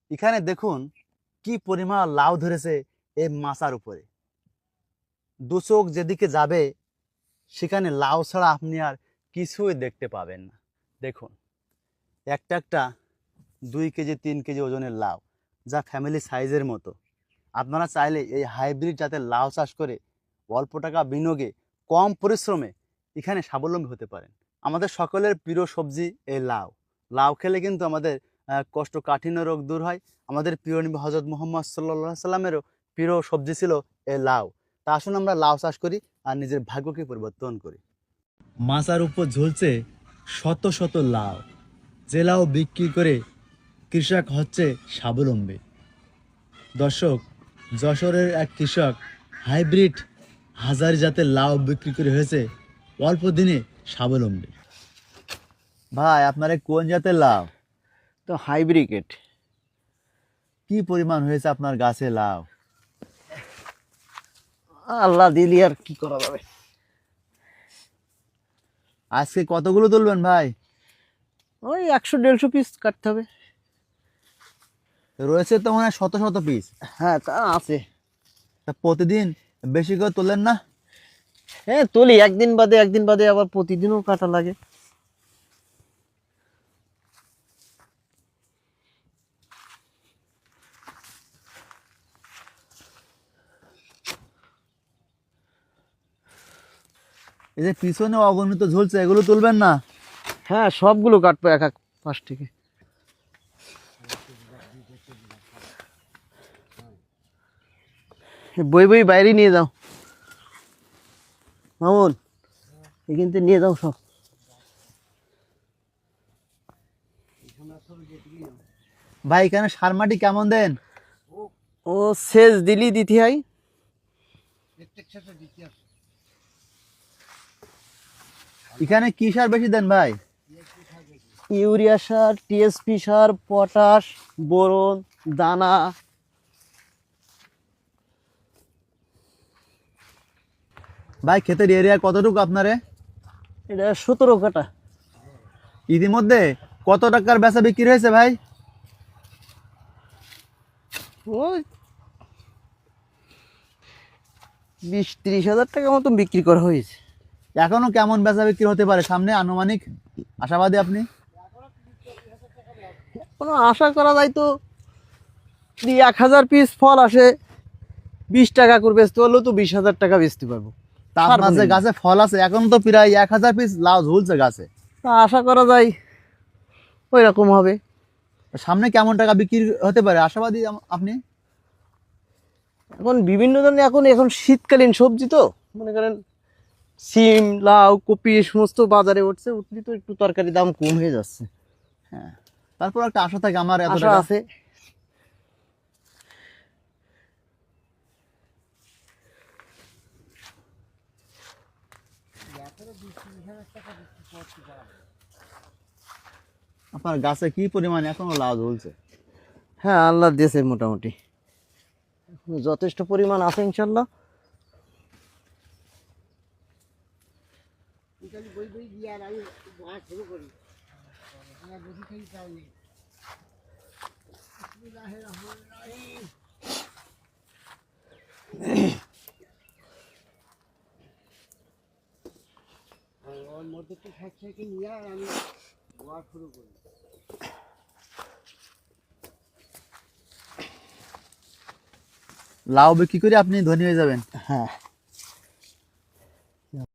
এখানে দেখুন কি পরিমাণ লাউ ধরেছে এই মাচার উপরে। দু চোখ যেদিকে যাবে সেখানে লাউ ছাড়া আপনি আর কিছুই দেখতে পাবেন না। দেখুন একটা একটা 2 কেজি 3 কেজি ওজনের লাউ, যা ফ্যামিলি সাইজের মতো। আপনারা চাইলে এই হাইব্রিড জাতের লাউ চাষ করে অল্প টাকা বিনিয়োগে কম পরিশ্রমে এখানে স্বাবলম্বী হতে পারেন। আমাদের সকলের প্রিয় সবজি এই লাউ। লাউ খেলে কিন্তু আমাদের কোষ্ঠকাঠিন্য রোগ দূর হয়। আমাদের প্রিয় নবী হযরত মুহাম্মদ সাল্লাল্লাহু আলাইহি সাল্লামেরও প্রিয় সবজি ছিল এই লাউ। তা আসুন আমরা লাউ চাষ করি আর নিজের ভাগ্যকে পরিবর্তন করি। মাচার উপর ঝুলছে শত শত লাউ, যে লাউ বিক্রি করে কৃষক হচ্ছে স্বাবলম্বী। দর্শক, যশোরের এক কৃষক হাইব্রিড হাজারি জাতের লাউ বিক্রি করে হয়েছে অল্প দিনে স্বাবলম্বী। ভাই আপনার কোন জাতের লাউ? তো হাইব্রিকেট। কি পরিমাণ হয়েছে আপনার গাছে লাউ? আল্লাহ দিলি আর কি করা যাবে। আজকে কতগুলো তুলবেন ভাই? ওই 100-150 পিস কাটতে হবে। রয়েছে তো মনে হয় শত শত পিস। হ্যাঁ তা আছে। তা প্রতিদিন বেশি করে তোলেন না? হ্যাঁ তুলি, একদিন বাদে আবার প্রতিদিনও কাটা লাগে। এই যে পিছনে অগণিত ঝুলছে, এগুলো তুলবেন না? হ্যাঁ সবগুলো কাটবো এক এক পাশ থেকে। বই বাইরে নিয়ে যাও মামুন, এখান থেকে নিয়ে যাও সব। ভাই এখানে সার মাটি কেমন দেন? ও সেচ দিলি দিতে হয়। এখানে কি সার বেশি দেন ভাই? ইউরিয়া সার, টিএসপি সার, পটাশ, বোরন, দানা। ভাই ক্ষেতের এরিয়া কতটুকু আপনারে? এটা 17 কাটা। ইতিমধ্যে কত টাকার বেচা বিক্রি হয়েছে ভাই? ওই 20-30 হাজার টাকা মতন বিক্রি করা হয়েছে। এখনো কেমন বেচা বিক্রি হতে পারে সামনে আনুমানিক আশাবাদী আপনি? কোনো আশা করা যায় তো 1000 পিস ফল আসে, 20 টাকা করে বেচতে পারলেও তো 20,000 টাকা বেচতে পারবো। তা আপনার যে গাছে ফল আছে এখন তো প্রায় 1000 পিস লাউ ঝুলছে গাছে। তা আশা করা যায় ওই রকম হবে। সামনে কেমন টাকা বিক্রি হতে পারে আশাবাদী আপনি? এখন বিভিন্ন ধরনের এখন শীতকালীন সবজি তো, মনে করেন সিম, লাউ, কপি এই সমস্ত বাজারে উঠলি তো একটু তরকারি দাম কম হয়ে যাচ্ছে। হ্যাঁ, তারপর একটা আশা থাকে আমার এত আশা টাকা আছে। আপনার গাছে কি পরিমাণ এখনো লাউ ঝুলছে? হ্যাঁ আল্লাহ দিয়েছে মোটামুটি যথেষ্ট পরিমাণ আছে ইনশাল্লাহ। লাউ বিক্রি করে আপনি ধনী হয়ে যাবেন। হ্যাঁ